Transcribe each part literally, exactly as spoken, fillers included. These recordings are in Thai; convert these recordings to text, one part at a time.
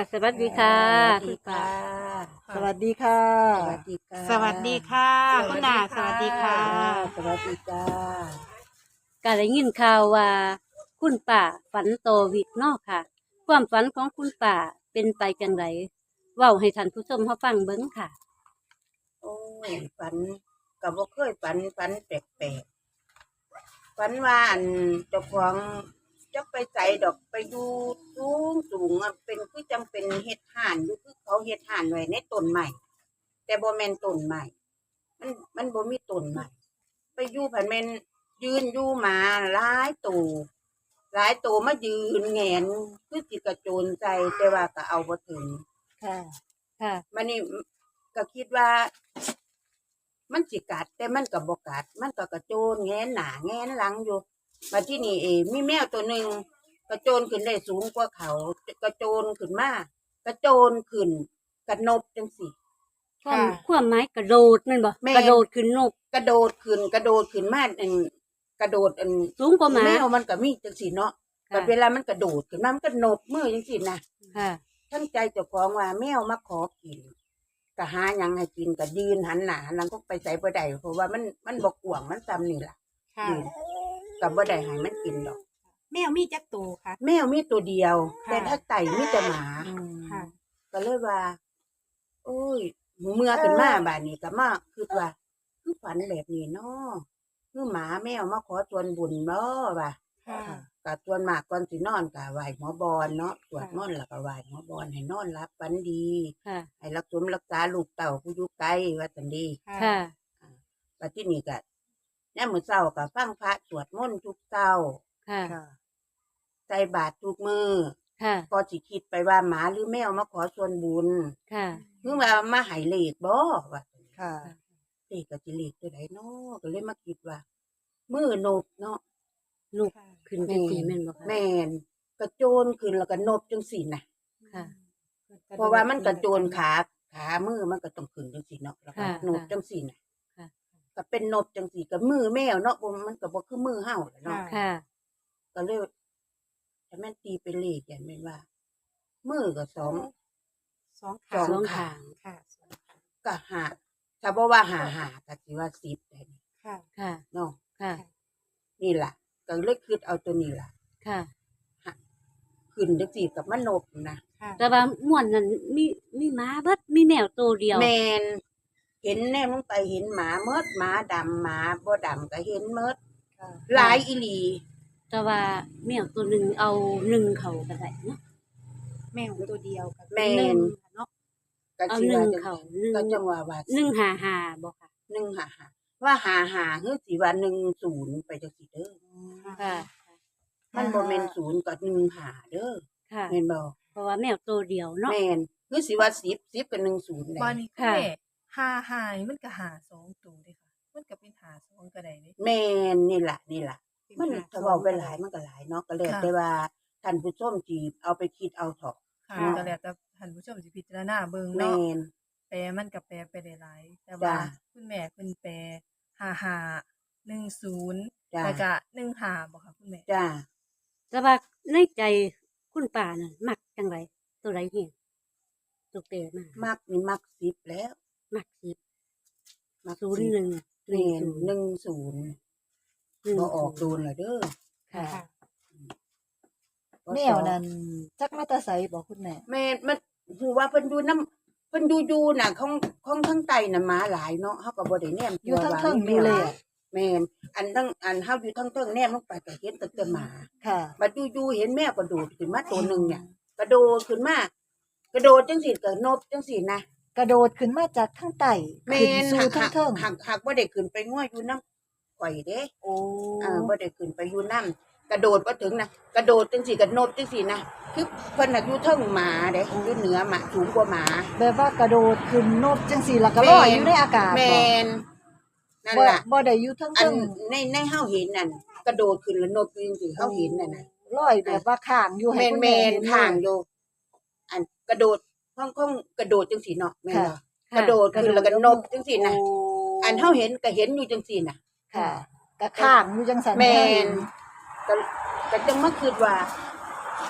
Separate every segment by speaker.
Speaker 1: สวัสดีค่ะ
Speaker 2: สวัสดีค่ะ
Speaker 3: สวัสดีค่ะ
Speaker 2: สวัสดีค่ะ
Speaker 4: สวัสดีค่ะ คุณนาสวัสดีค่ะ
Speaker 2: สวัสดีจ้า
Speaker 1: ก็ได้ยินข่าวว่า คุณป่าฝันโตอวิกเนาะค่ะ ความฝันของคุณป่าเป็นไปจังไดเว้าให้ท่านผู้ชมเฮาฟังเบิ่งค่ะ
Speaker 2: โอ้ยฝันก็บ่เคยฝันฝันแปลกๆฝันว่าอันเจ้าของจะไปใส่ดอกไปดูสูงสูงอะเป็นคือจำเป็นเฮ็ดห่านอยู่คือเขาเฮ็ดห่านไว้ในต้นไม้แต่บ่แม่นต้นไม้มันมันบ่มีต้นไม้ไปอยู่ผันแม่นยืนอยู่หมาหลายตัวหลายตัวมายืนแหงนคือสิกระโจนใส่แต่ว่าก็เอาบ่ถึง
Speaker 3: ค่ะ
Speaker 1: ค่ะ
Speaker 2: มันนี่ก็คิดว่า มันสิกัดแต่มันก็บ่กัดมันก็กระโจนแงนหน้าแงนหลังอยู่มาที่นี่เองมีแมวตัวหนึ่งกระโจนขึ้นได้สูงกว่าเขากระโจนขึ้นมากระโจนขึ้นกระนบจังสิ
Speaker 1: ความ
Speaker 4: ค่ะ
Speaker 1: ความหมายกระโดดนั่นบ่
Speaker 2: แม่น
Speaker 1: กระโดดขึ้นนก
Speaker 2: กระโดดขึ้นกระโดดขึ้นมาอันกระโดดอัน
Speaker 1: สูงกว่าหมา
Speaker 2: แมวมันก็มีจังสิเนาะ
Speaker 1: ค่ะ
Speaker 2: แต่เวลามันกระโดดขึ้นมามันก็นบมือจังสินะ
Speaker 1: ค่ะ
Speaker 2: ทั้งใจเจ้าของว่าแมวมาขอกินก็หาหยังให้กินก็ยืนหันหน้าหันหลังก็ไปใส่บ่ได้เพราะว่ามันมันบ่กว้างมันซ้ำนี่ล่ะ
Speaker 4: ค่ะ
Speaker 2: ยืนก็บ่ได้ให้มันกินดอก
Speaker 4: แมวมีจักตัวค่ะ
Speaker 2: แมวมีตัวเดียว
Speaker 4: ค่ะ
Speaker 2: แต่ถ้าไก่มีแต่หมา
Speaker 4: ค่ะ
Speaker 2: ก็เลยว่า โอ้ยเมื่อขึ้นมาบาดนี้ก็มาคือว่าคือฝันแบบนี้เนาะคือหมาแมวมาขอส่วนบุญเนาะว่า
Speaker 4: ค่ะ
Speaker 2: ก็ส่วนมากก่อนสินอนก็ไหว้หัวบอนเนาะสวดมนต์แล้วก็ไหว้หัวบอนให้นอนหลับฝันดี
Speaker 1: ค่ะ
Speaker 2: ให้รักษารักษาลูกเต่าผู้อยู่ไกลว่าจังดี
Speaker 1: ค่ะ
Speaker 2: ปัจจุบันก็ยามมื้อเช้าก็ฟังพระสวดมนต์ทุกเช้า
Speaker 1: ค่ะ
Speaker 2: ใส่บาตรทุกมื้อ
Speaker 1: ค่ะ
Speaker 2: ก็สิคิดไปว่าหมาหรือแมวมาขอส่วนบุญ
Speaker 1: ค่ะ
Speaker 2: คือว่ามาให้เลขบ่ว่า
Speaker 3: ค่ะ
Speaker 2: เลขก็สิเลขตัวใดเนาะก็เลยมาคิดว่า มือนบเนาะ
Speaker 1: ลูกขึ้นจังซี่แม่นบ่คะ
Speaker 2: แม่นกระโจนขึ้นแล้วก็นบจังซี่น่ะ
Speaker 1: ค่ะ
Speaker 2: เพราะว่ามันกระโจนขาขามือมันก็ต้องขึ้นจังซี่เนาะแล้วก็
Speaker 1: ค่ะ
Speaker 2: นบจังซี่น่ะ
Speaker 1: ค่ะ
Speaker 2: ก็เป็นนบจังซี่กับมือแมวเนาะบ่มันก็บ่คือมือเฮาแหละเนาะ
Speaker 1: ค่ะ
Speaker 2: ก็เลยถ้าแม่นตีเป็นเลขอย่างแม่นว่า มือก็สอง
Speaker 4: สอง
Speaker 2: สอง
Speaker 1: สอง
Speaker 2: ขา
Speaker 1: ขาง
Speaker 4: ค่ะสองขา
Speaker 2: ก็หาถ้าบ่ว่าหาหาก็สิว่าสิบได้นี่
Speaker 4: ค่ะ
Speaker 1: ค่ะ
Speaker 2: เนาะ
Speaker 1: ค่ะ
Speaker 2: นี่ล่ะก็เลยคิดเอาตัวนี้ล่ะ
Speaker 1: ค่ะ
Speaker 2: ขึ้นจังซี่กับมันนบนะ
Speaker 4: ค่ะ
Speaker 1: แต่ว่าม่วนนั้นมีมีหมาเบิดมีแมวตัวเดียว
Speaker 2: แม่นเห็นแนมลงไปเห็นหมาเมิดหมาดำหมาบ่ดำก็เห็นเมิดหลายอีหลี
Speaker 1: แต่ว่าแมวตัวหนึ่งเอาหนึ่งเขาก็ได้เนาะ
Speaker 4: แมวตัวเดียวกับ
Speaker 2: แม่
Speaker 4: หนึ่
Speaker 2: น
Speaker 4: งเนาะ
Speaker 2: ก็
Speaker 1: เอา
Speaker 2: สิ
Speaker 1: หนึ่
Speaker 2: ว่าง จัง
Speaker 1: เขา
Speaker 2: ซั่น
Speaker 1: หนึ่ง
Speaker 2: ก็จังว่าว่า
Speaker 1: หนึ่งหาหาบ่ค่ะ
Speaker 2: หนึ่งหาหาว่าหาหาคือสิว่าหนึ่งศูนย์ไปจังซี่เด้อ
Speaker 1: ค่ะ
Speaker 2: มันบ่แม่นศูนย์กับหนึ่งหาเด้อ
Speaker 1: ค่ะ
Speaker 2: แม่นบ่
Speaker 1: เพราะว่าแมวตัวเดียวเนาะ
Speaker 2: แม่นคือสิว่าสิบ สิบกับหนึ่งศูนย์ได้
Speaker 5: บ้านนี้คุณ
Speaker 1: ค่ะ
Speaker 5: แม่หาหานี่มันก็หาสองตัวเด้ค่ะ มันก็เป็นหาสองก็ได้เด้
Speaker 2: แม่นนี่ล่ะนี่ล่ะ
Speaker 5: เป็น
Speaker 2: มัน
Speaker 5: หา
Speaker 2: ถ้า
Speaker 5: สอ
Speaker 2: เว้าง ไปหลายมันก็หลายเนาะก็แล้ว
Speaker 5: ค่ะ
Speaker 2: แต่ว่าท่านผู้ชมสิเอาไปคิดเอาเถาะ
Speaker 5: ค่ะ
Speaker 2: เนาะ
Speaker 5: ก็แล้วแต่ท่านผู้ชมสิพิจารณาเบิ่ง
Speaker 2: แม่
Speaker 5: เนาะ
Speaker 2: น
Speaker 5: แปลมันก็แปลไปได้หลาย แต่ว่า
Speaker 2: จ้ะ
Speaker 5: คุณแม่เพิ่นแปลหาหาหนึ่งศูนย์
Speaker 2: จ้ะ
Speaker 5: แล้วก็หนึ่งหาบ่ค่ะคุณแม่
Speaker 2: จ้า
Speaker 1: แต่ว่าในใจคุณป่าน่ะมักจังไรตัวไรเห็นตัวเตะมา
Speaker 2: มักนี่มักสิบแล้ว
Speaker 1: มักสิบ
Speaker 2: มัก
Speaker 1: ศูนย์หนึ่ง
Speaker 2: แม่น
Speaker 1: หนึ่ง
Speaker 2: หนึ่งศูนย์
Speaker 1: หนึ่ง
Speaker 2: บ่ออกโดนละเด้อ
Speaker 1: ค่ะ
Speaker 4: ค่ะ
Speaker 2: บ่
Speaker 3: แมวนั้นจักมาแตาใสบอกคุณแม่
Speaker 2: แม่นมันฮู้ว่าเพิ่นอยู่นำเพิ่นอยู่อยู่น่ะของของทางใต้น่ะหมาหลายเนาะเฮาก็บ่ได้แนม
Speaker 3: อยู่ทั้ง
Speaker 2: ว่า
Speaker 3: เทิง
Speaker 2: มี
Speaker 3: ดู
Speaker 2: แม
Speaker 3: เล
Speaker 2: วย แม่นอันทั้งอันเฮาอยู่ทั้งเทิงแนมลงไปก็เห็นแต่แต่หมา
Speaker 3: ค่ะ
Speaker 2: บัดอยู่ๆเห็นแมวกระโดดขึ้นมาตัวหนึงเนี่ยกระโดดขึ้นมากระโดดจังซี่ก็นบจังซี่นะ
Speaker 3: กระโดดขึ้นมาจากข้างใต้
Speaker 2: แม่
Speaker 3: ขึ้น
Speaker 2: น
Speaker 3: สู่
Speaker 2: หัก
Speaker 3: ทั้งเทิง
Speaker 2: หักหักบ่ได้ขึ้นไปง้ออยู่นำข่อยเด้
Speaker 3: โอ้
Speaker 2: อ่าบ่ได้ขึ้นไปอยู่นำกระโดดบ่ถึงนะกระโดดจังซี่ก็นบจังซี่นะคือเพิ่นน่ะอยู่เทิงหมาเด้อยู่เหนือหมาสูงกว่าหมา
Speaker 3: แบบว่ากระโดดขึ้นนบจังสี่แล้วก็ลอยอยู่ในอากาศ
Speaker 2: แม่นนั่น
Speaker 3: บ่
Speaker 2: ล่ะ
Speaker 3: บ่ได้อยู่ทั้ง
Speaker 2: อั
Speaker 3: เทิ
Speaker 2: น
Speaker 3: ง
Speaker 2: ในในเฮาเห็นนั่นกระโดดขึ้นแล้วนบจริงๆเฮาเห็นนั่นน่ะ
Speaker 3: ลอยแบบว่าข้างอยู่ให้
Speaker 2: แม่น
Speaker 3: คุณ
Speaker 2: แม่
Speaker 3: แม่
Speaker 2: น
Speaker 3: เห็น
Speaker 2: ทางอยู่อันกระโดดห้องห้องกระโดดจังซี่เนาะแม่นบ่
Speaker 1: ค่ะ
Speaker 2: กระโดดขึ้นแล้วก็นบจังซี่นะ
Speaker 3: โ
Speaker 2: อันเฮาเห็นก็เห็นอยู่จังซี่น่ะ
Speaker 3: ค่ะก็ข้างอยู่จังสัน
Speaker 2: แม่
Speaker 3: ให้เห็
Speaker 2: นก็ก็จังมาคิดว่า โอ้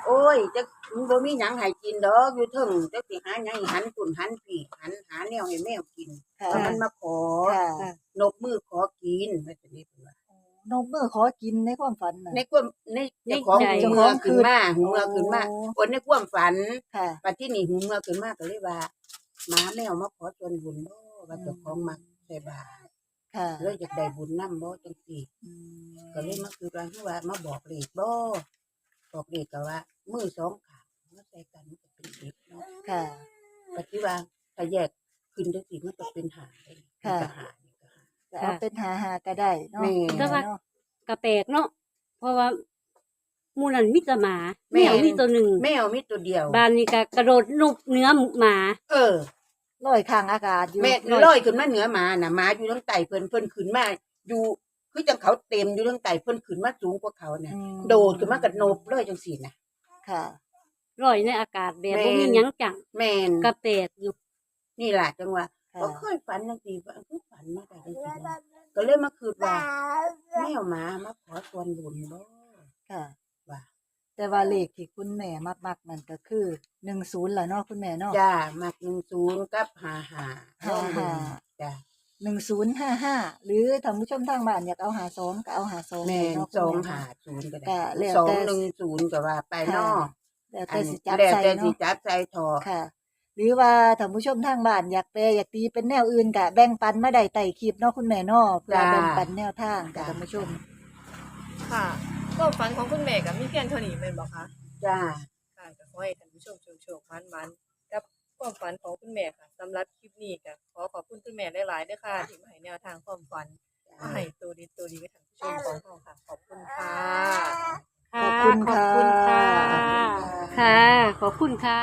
Speaker 2: โอ้ยจักมันบ่มีหยังให้กินดอกอยู่เทิงจักสิหาหยังให้หันปุ่นหันผีหันหาแนวให้แมวกิน
Speaker 3: ค่ะ
Speaker 2: แล้วมันมาขอ
Speaker 3: ค่ะ
Speaker 2: นบมือขอกินว่าจังนี้เพิ่นว่าน
Speaker 3: กมือขอกินในความฝันน่ะ
Speaker 2: ในความในเจ้าของ
Speaker 1: ในใจ
Speaker 2: หูเมื่อขึ้นมาหูเมื่อขึ้นมา
Speaker 3: โอ้
Speaker 2: คนในความฝัน
Speaker 3: ค่ะ
Speaker 2: ปัจที่นี่หูเมื่อขึ้นมาก็เลยว่าหมาแมวมาขอส่วนบุญบ่ว่าเจ้าของมักใส่บาตร
Speaker 3: ค่ะ
Speaker 2: เลยอยากได้บุญนำบ่จังซี่
Speaker 3: อืม
Speaker 2: ก็เลยมาคือว่าคือว่ามาบอกเลขบ่บอกเลขก็ว่ามือสองข้างมาใส่กันมันก็เป็นเด็กเนาะ
Speaker 3: ค่ะ
Speaker 2: ปัจจุบันถ้าแยกขึ้นจังซี่มันก็เป็นหาได้
Speaker 3: ค่ะ
Speaker 2: มันก็หานี่ก็หา
Speaker 3: จะเอาเป็นหาหาก็ได้เนาะ
Speaker 2: แม่
Speaker 1: แต่ว่า
Speaker 3: เนาะ
Speaker 1: กระแปลกเนาะเพราะว่าหมูนันมิตรหมา
Speaker 2: แม่
Speaker 1: แมวมีตัวหนึ่ง
Speaker 2: แมวมีตัวเดียว
Speaker 1: บ้านนี้ก็กระโดดนุบเนื้อหมา
Speaker 2: เออ
Speaker 3: ลอยข้างอากาศอยู่
Speaker 2: แม่ลอยขึ้นมาเหนือหมาน่ะหมาอยู่ทางใต้เพิ่นเพิ่นขึ้นมาอยู่คือจังเขาเต็มอยู่ทางใต้เพิ่นขึ้นมาสูงกว่าเขาน่ะ
Speaker 3: อืม
Speaker 2: โดดขึ้นมากับโนบเลยจังซี่น่ะ
Speaker 3: ค่ะ
Speaker 1: ลอยในอากาศแบบ
Speaker 2: แม่
Speaker 1: บ่มีหยังจัง
Speaker 2: แม่น
Speaker 1: กระแปลกอยู่
Speaker 2: นี่ล่ะจังว่า
Speaker 3: ค่ะ
Speaker 2: บ่เคยฝันจังซี่ว่าคือฝันมาได้จังซี่นะก็เลยมาคิดว่าแมวหมามาขอส่วนบุญบ่
Speaker 3: ค่ะ
Speaker 2: ว่า
Speaker 3: แต่ว่าเลขที่คุณแม่มักๆนั่นก็คือหนึ่งศูนย์ล่ะเนาะคุณแม่เนาะ
Speaker 2: จ้ามักหนึ่งศูนย์กับห้าห้า
Speaker 3: ห้าห้า
Speaker 2: จ้า
Speaker 3: หนึ่งศูนย์ห้าห้าหรือท่านผู้ชมทางบ้านอยากเอาหาสองก็เอาหาสอง
Speaker 2: แม่น
Speaker 3: เนาะ
Speaker 2: สอง
Speaker 3: คุณแม่
Speaker 2: ห้า
Speaker 3: เนาะ
Speaker 2: ศูนย์ก็
Speaker 3: ก็
Speaker 2: ได้
Speaker 3: แล้ว
Speaker 2: สอง
Speaker 3: แต่
Speaker 2: หนึ่งศูนย์ก็ว่าไปเนาะ
Speaker 3: แล้ว
Speaker 2: อั
Speaker 3: แต่
Speaker 2: น
Speaker 3: สิจับ
Speaker 2: แล้ว
Speaker 3: ใส่
Speaker 2: แต่สิ
Speaker 3: เนาะ
Speaker 2: จับใส่ทอ
Speaker 3: ค่ะ หรือว่าท่านผู้ชมทางบ้านอยากแปลอยากตีเป็นแนวอื่นก็แบ่งปันมาได้ใต้คลิปเนาะคุณแม่เนาะเพื่อแบ่งปันแนวทางกับท่านผู้ชม
Speaker 5: ค่ะความฝันของคุณแม่ก็มีเพียงเท่านี้แม่นบ่คะ
Speaker 2: จ้า
Speaker 5: ค่ะก็ขอให้ท่านผู้ชมโชคๆมันๆกับความฝันของคุณแม่ค่ะสำหรับคลิปนี้ก็ขอขอบคุณคุณแม่หลายๆด้วยค่ะที่มาให้แนวทางความฝันมาให้ตัวดีตัวดีกับท่านผู้ชมของเราค่ะ ขอบคุณค่ะ
Speaker 1: ค่ะ
Speaker 3: ขอบคุณ
Speaker 1: ขอบคุณ
Speaker 3: ค่ะ
Speaker 1: ค่ะ ค่ะ ขอบคุณค่ะ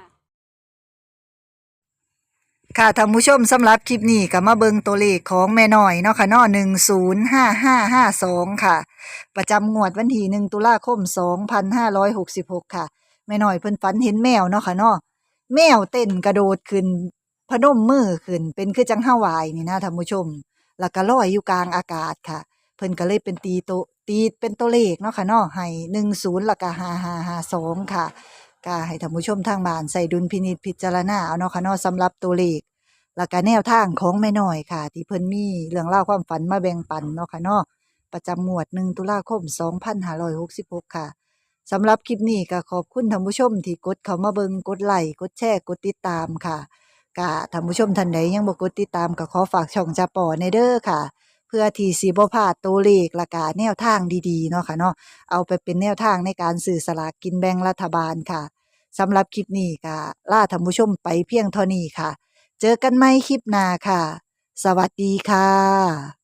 Speaker 3: ค่ะท่านผู้ชมสำหรับคลิปนี้ก็มาเบิ่งตัวเลขของแม่น้อยเนาะค่ะเนาะหนึ่งศูนย์ห้าห้าห้าสองค่ะ ประจำงวดวันที่หนึ่งตุลาคมสองพันห้าร้อยหกสิบหกค่ะแม่น้อยเพิ่นฝันเห็นแมวเนาะค่ะเนาะแมวเต้นกระโดดขึ้นพนมมือขึ้นเป็นคือจังห้าวายนี่นะท่านผู้ชม แล้วก็ลอยอยู่กลางอากาศค่ะ เพิ่นก็เลยเป็นตีโตตีเป็นตัวเลขเนาะค่ะเนาะให้หนึ่งศูนย์แล้วก็ห้าห้าห้าสองค่ะก็ให้ท่านผู้ชมทางบ้านใส่ดุลพินิจพิจารณาเอาเนาะค่ะเนาะสำหรับตัวเลข แล้วก็แนวทางของแม่น้อยค่ะ ที่เพิ่นมีเรื่องเล่าวความฝันมาแบ่งปันเนาะค่ะเนาะประจำงวดหนึ่งตุลาคมสองพันห้าร้อยหกสิบหกค่ะสำหรับคลิปนี้ก็ขอบคุณท่านผู้ชมที่กดเข้ามาเบิ่งกดไลค์กดแชร์กดติดตามค่ะก็ท่านผู้ชมท่านใดยังบ่กดติดตามก็ขอฝากช่องจาป่อในเด้อค่ะ เพื่อที่สิบ่พลาดตัวเลขและก็แนวทางดีๆเนาะค่ะเนาะเอาไปเป็นแนวทางในการซื้อสลากกินแบ่งรัฐบาลค่ะสำหรับคลิปนี้ก็ลาท่านผู้ชมไปเพียงเท่านี้ค่ะ เจอกันใหม่คลิปหน้าค่ะ สวัสดีค่ะ